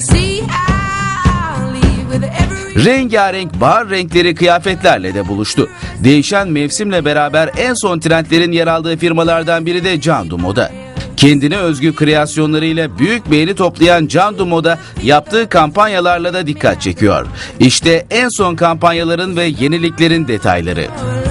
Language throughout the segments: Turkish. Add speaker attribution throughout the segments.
Speaker 1: Rengarenk bahar renkleri kıyafetlerle de buluştu. Değişen mevsimle beraber en son trendlerin yer aldığı firmalardan biri de Candu Moda. Kendine özgü kreasyonlarıyla büyük beğeni toplayan Candu Moda yaptığı kampanyalarla da dikkat çekiyor. İşte en son kampanyaların ve yeniliklerin detayları.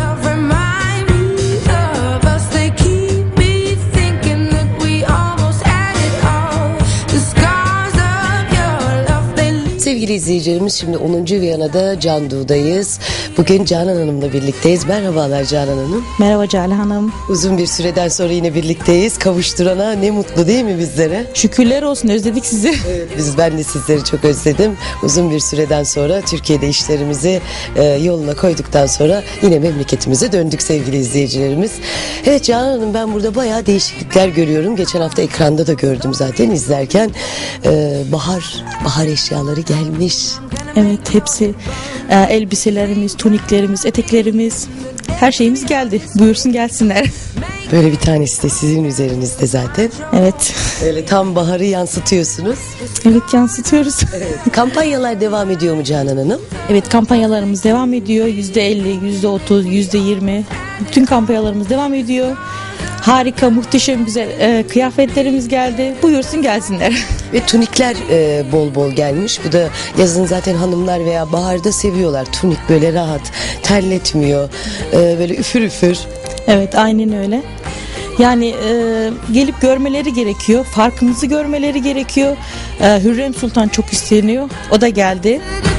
Speaker 2: Sevgili izleyicilerimiz, şimdi 10. Viyana'da Candu'dayız. Bugün Canan Hanım'la birlikteyiz. Merhabalar Canan Hanım.
Speaker 3: Merhaba Cale Hanım.
Speaker 2: Uzun bir süreden sonra yine birlikteyiz. Kavuşturana ne mutlu değil mi bizlere?
Speaker 3: Şükürler olsun, özledik sizi.
Speaker 2: Evet, ben de sizleri çok özledim. Uzun bir süreden sonra Türkiye'de işlerimizi yoluna koyduktan sonra yine memleketimize döndük sevgili izleyicilerimiz. Evet Canan Hanım, ben burada bayağı değişiklikler görüyorum. Geçen hafta ekranda da gördüm zaten izlerken. Bahar eşyaları gelmiş.
Speaker 3: Evet, hepsi elbiselerimiz, tuniklerimiz, eteklerimiz, her şeyimiz geldi. Buyursun gelsinler.
Speaker 2: Böyle bir tanesi de sizin üzerinizde zaten.
Speaker 3: Evet.
Speaker 2: Öyle tam baharı yansıtıyorsunuz.
Speaker 3: Evet, yansıtıyoruz.
Speaker 2: Kampanyalar devam ediyor mu Canan Hanım?
Speaker 3: Evet, kampanyalarımız devam ediyor. %50, %30, %20. Bütün kampanyalarımız devam ediyor. Harika, muhteşem, güzel kıyafetlerimiz geldi. Buyursun gelsinler.
Speaker 2: Ve tunikler bol bol gelmiş. Bu da yazın zaten hanımlar veya baharda seviyorlar. Tunik böyle rahat, terletmiyor. Böyle üfür üfür.
Speaker 3: Evet, aynen öyle. Yani gelip görmeleri gerekiyor. Farkımızı görmeleri gerekiyor. Hürrem Sultan çok isteniyor. O da geldi.